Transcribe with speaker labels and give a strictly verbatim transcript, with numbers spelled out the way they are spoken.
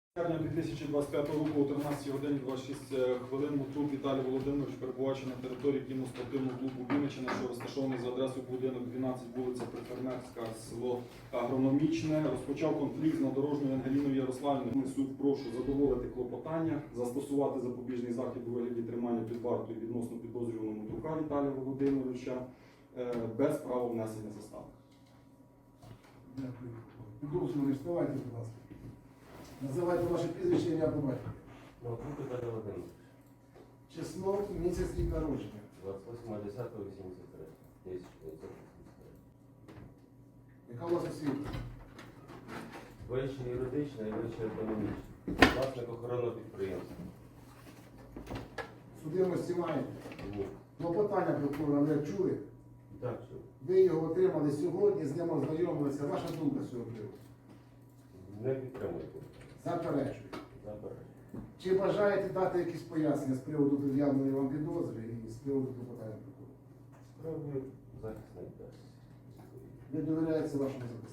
Speaker 1: Червня дві тисячі двадцять п'ятого року о тринадцятій годині двадцять шість хвилин Муцук Віталій Володимирович, перебуваючи на території кіноспортивного клубу Вінниччина, що розташований за адресою будинок дванадцять, вулиця Прифермерська, село Агрономічне, розпочав конфлікт з надорожньою Ангеліною Ярославівною. Суд прошу задоволити клопотання, застосувати запобіжний захід у вигляді тримання під вартою відносно підозрюваного Муцука Віталія Володимировича без права внесення застави.
Speaker 2: Дякую. Підозрюваний, вставайте, будь ласка. Називайте ваше прізвище, ім'я по батькові.
Speaker 3: Муцук Віталій Володимирович.
Speaker 2: Число, місяць, рік народження.
Speaker 3: двадцять восьмого десятого вісімдесят три. тисяча дев'ятсот вісімдесят три.
Speaker 2: Яка у вас освіта?
Speaker 3: Вище юридична і вище економічна. Власник охоронного підприємства.
Speaker 2: Судимості маєте?
Speaker 3: Ні.
Speaker 2: Клопотання прокурора ви чули?
Speaker 3: Так, що?
Speaker 2: Ви його отримали сьогодні, з ним ознайомилися. Ваша думка з цього приводу?
Speaker 3: Не підтримуйте.
Speaker 2: Заперечую.
Speaker 3: Забирайте.
Speaker 2: Чи бажаєте дати якісь пояснення з приводу пред'явленої вам підозри і з приводу клопотання прокурора?
Speaker 3: Справді захисник дасть.
Speaker 2: Ви довіряєте вашому захиснику?